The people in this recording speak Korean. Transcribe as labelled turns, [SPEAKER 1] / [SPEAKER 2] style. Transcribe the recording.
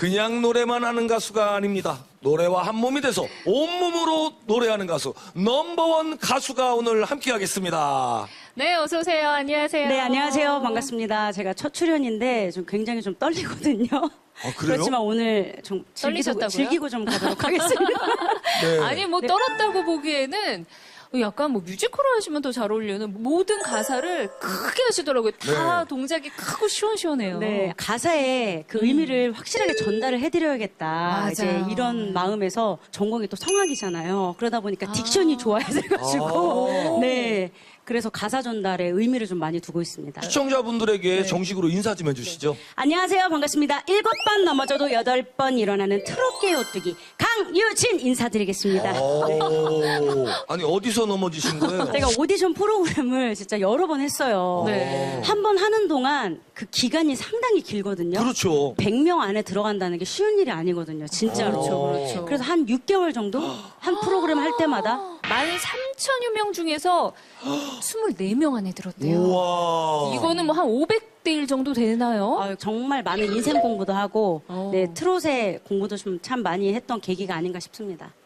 [SPEAKER 1] 그냥 노래만 하는 가수가 아닙니다. 노래와 한 몸이 돼서 온몸으로 노래하는 가수 넘버원 가수가 오늘 함께하겠습니다.
[SPEAKER 2] 네, 어서 오세요. 안녕하세요.
[SPEAKER 3] 네, 안녕하세요. 반갑습니다. 제가 첫 출연인데 좀 굉장히 좀 떨리거든요.
[SPEAKER 1] 그래요?
[SPEAKER 3] 그렇지만 오늘 좀
[SPEAKER 2] 떨리셨다고요?
[SPEAKER 3] 즐기고 좀 가도록 하겠습니다.
[SPEAKER 1] 네.
[SPEAKER 2] 아니, 뭐 떨었다고 보기에는 약간 뭐 뮤지컬을 하시면 더 잘 어울리는 모든 가사를 크게 하시더라고요. 다
[SPEAKER 1] 네.
[SPEAKER 2] 동작이 크고 시원시원해요.
[SPEAKER 3] 네, 가사에 그 의미를 확실하게 전달을 해드려야겠다.
[SPEAKER 2] 맞아요.
[SPEAKER 3] 이제 이런 마음에서 전공이 또 성악이잖아요. 그러다 보니까 딕션이 좋아야 돼가지고. 네. 그래서 가사 전달에 의미를 좀 많이 두고 있습니다.
[SPEAKER 1] 시청자분들에게 정식으로 인사 좀 해주시죠.
[SPEAKER 3] 안녕하세요. 반갑습니다. 7번 넘어져도 8번 일어나는 트롯계 오뚜기 강유진 인사드리겠습니다.
[SPEAKER 1] 아니 어디서 넘어지신 거예요?
[SPEAKER 3] 제가 오디션 프로그램을 진짜 여러 번 했어요.
[SPEAKER 2] 네.
[SPEAKER 3] 한 번 하는 동안 그 기간이 상당히 길거든요.
[SPEAKER 1] 그렇죠.
[SPEAKER 3] 100명 안에 들어간다는 게 쉬운 일이 아니거든요. 진짜로.
[SPEAKER 2] 그렇죠.
[SPEAKER 3] 그래서 한 6개월 정도 한 프로그램 할 때마다
[SPEAKER 2] 13,000여 명 중에서 24명 안에 들었대요.
[SPEAKER 1] 우와.
[SPEAKER 2] 이거는 뭐 한 500대 1 정도 되나요?
[SPEAKER 3] 정말 많은 인생 공부도 하고
[SPEAKER 2] 어.
[SPEAKER 3] 네, 트롯의 공부도 좀 참 많이 했던 계기가 아닌가 싶습니다.